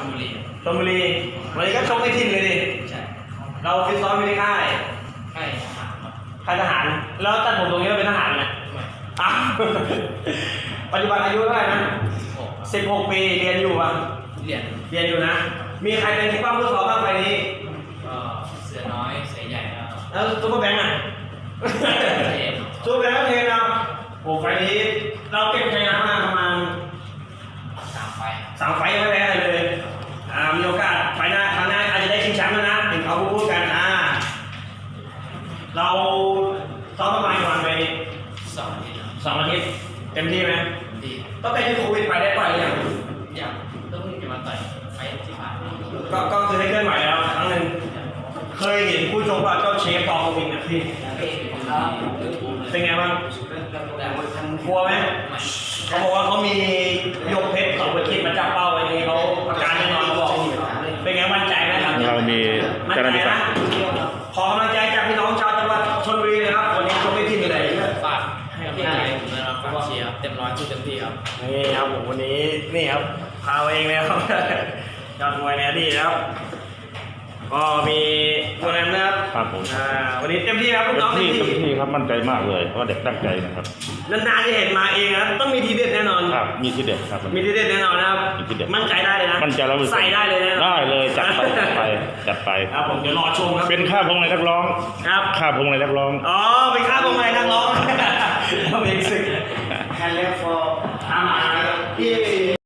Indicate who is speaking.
Speaker 1: บุรี
Speaker 2: ชลบุรีวันนี้ก็ชกไม่ทิ้งเลยดิ
Speaker 1: ใช่
Speaker 2: เราฟิตซ้อมอยู่ในค่าย
Speaker 1: ค่ายทหารครับ
Speaker 2: ค่ายทหารแล้วตัดผมตรงนี้เราเป็นทหารไหมอ้าวปัจจุบันอายุเท่าไหร่นะ16 ปีเรียนอยู่ป่ะ
Speaker 1: เรียน
Speaker 2: อยู่นะมีใครเป็นที่ป้าผู้สอนบ้างไปนี้
Speaker 1: เสือน้อยเสือใหญ่
Speaker 2: แล้วซุปเปอร์แบงค์อ่ะซุปเปอร์แบงค์ก็เทนนะโอ้ไฟนี้เราเก็บชัยชนะมาประมาณ3 ไฟยังไม่แพ้เลยมีโอกาสไฟหน้าครั้งหน้าอาจจะได้ชิงแชมป์แล้วนะเห็นเขาพูดกันเราซ้อมประมาณวันไป2 อาทิตย์เต็มที่ไหม
Speaker 1: ดี
Speaker 2: ต้องไปที่โควิดไปได้ปล่อยอย่าง
Speaker 1: ต้องจะมาต่อยไฟที่ผ่าน
Speaker 2: ก็คือได้เคลื่อนไหวแล้วครั้งหนึ่งเคยเห็นผู้ชมว่าเจ้าเชฟตอโควิดนะพี่เป็นไงบ้างกลัวไหมเขาบอกว่าเขามียกเพชร2 วิมาจับเป้าไว้นี้เขาอาการแน่นอนเขาบอกเป็นไงมั่นใจไหมครับ
Speaker 3: เรามี
Speaker 2: มั่นใจนะขอกำลังใจจากพี่น้องชาวจังหวัดชลบุรีนะครับวันนี้ชมไม่ทิ้งเลย
Speaker 1: ฝากให้กำลังใจผมนะครับฝากเชียร์เต็มร้อยเต็มที่ครับ
Speaker 2: นี่ครับผมวันนี้นี่ครับพาเองเลยครับยอดมวยในอดีตครับก็มีตัวนั้นนะครับ
Speaker 3: ผม
Speaker 2: วันนี้เต็มที่ครับลูกน้อง
Speaker 3: เต็มที่ครับมั่นใจมากเลยเพราะเด็กตั้งใจนะครับ
Speaker 2: นานๆจะเห็นมาเองนะต้องมีทีเด็ดแน่นอน
Speaker 3: ครับมีทีเด็ดครับ
Speaker 2: มีทีเด็ดแน่นอนนะครับมั่นใจได้เลยนะ
Speaker 3: มั่นใจแล้ว
Speaker 2: ใส่ได้เลยนะ
Speaker 3: ได้เลยจัดไป
Speaker 2: ครับผมเดี๋ยวรอชมครับ
Speaker 3: เป็นค่าพงในนักร้อง
Speaker 2: ครับ
Speaker 3: ค่าพงในนักร้อง
Speaker 2: เป็นค่าพงในนักร้องเราเป็นศึกแฮนด์เลฟฟอร์อามาพี่